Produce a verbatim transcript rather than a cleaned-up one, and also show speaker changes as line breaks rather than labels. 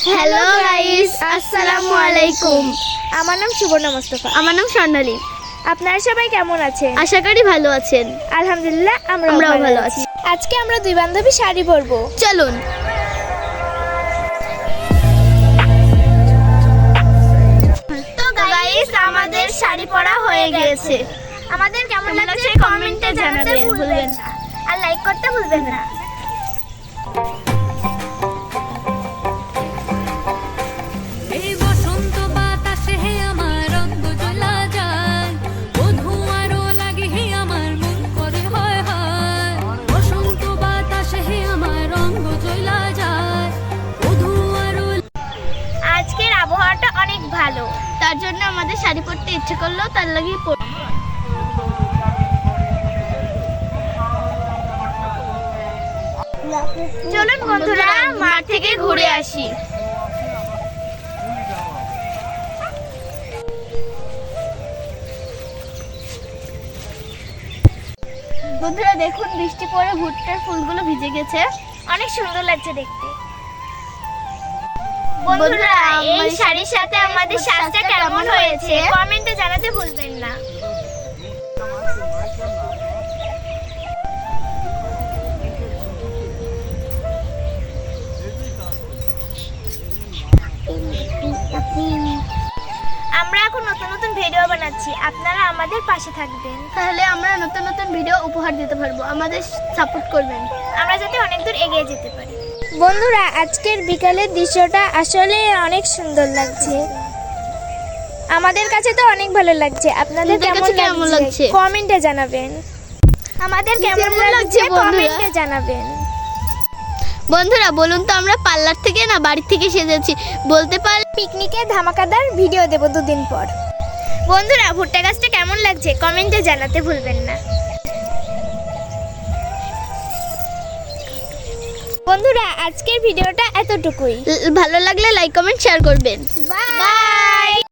Hello guys, আসসালামু আলাইকুম।
আমার নাম সুবর্ণা মোস্তফা।
আমার নাম স্বর্ণালী।
আপনারা সবাই কেমন আছেন?
আশা করি ভালো আছেন।
আলহামদুলিল্লাহ আমরাও
আমরাও
ভালো
ভালো
আছি। আজকে আমরা দুই বান্ধবী শাড়ি পরবো।
চলুন। তো গাইস, আমাদের শাড়ি পরা হয়ে গেছে।
আমাদের কেমন লাগছে কমেন্টে জানাতে ভুলবেন না, আর লাইক করতে ভুলবেন না।
এই বসন্ত বাতাসে হে আমার রঙ জ্বলা যায়, বধূ আরো লাগে হে আমার মন করে হয় হয়। বসন্ত বাতাসে হে আমার রঙ জ্বলা যায়, বধূ আরো।
আজকের আবহাওয়াটা অনেক ভালো,
তার জন্য আমাদের শাড়ি পরতে ইচ্ছে করলেও তার লাগি
চলুন বন্ধুরা মাঠ থেকে ঘুরে আসি।
বন্ধুরা দেখুন, বৃষ্টি পড়ে ভুট্টার ফুলগুলো ভিজে গেছে।
অনেক সুন্দর লাগছে দেখতে।
বন্ধুরা,
বন্ধুরা এই
আমাদের
শাড়ির সাথে আমাদের সাজটা কেমন হয়েছে কমেন্টে জানাতে ভুলবেন না। আমরা এখন নতুন নতুন ভিডিও বানাচ্ছি, আপনারা আমাদের পাশে থাকবেন,
তাহলে আমরা নতুন নতুন ভিডিও উপহার দিতে পারবো। আমাদের সাপোর্ট করবেন।
আমরা যাতে অনেক দূর এগিয়ে যেতে পারি। বন্ধুরা, আজকের বিকালের দৃশ্যটা আসলে অনেক সুন্দর লাগছে। আমাদের কাছে তো অনেক ভালো লাগছে। আপনাদের
আপনাদের
কেমন
কাছে কেমন
লাগছে
লাগছে?
কমেন্টে জানাবেন। আমাদের কেমন
কেমন লাগছে
লাগছে
বন্ধুরা?
কমেন্টে জানাবেন।
বন্ধুরা বলুন তো, আমরা পার্লার থেকে না বাড়ি থেকে সেজেছি, বলতে পার
পিকনিকের ধামাকাদার ভিডিও দেব দুদিন পর। বন্ধুরা, ভুট্টা গাছটা কেমন লাগছে কমেন্টে জানাতে ভুলবেন না। বন্ধুরা, আজকের ভিডিওটা এতটুকুই।
ভালো লাগলে লাইক কমেন্ট শেয়ার করবেন।
বাই।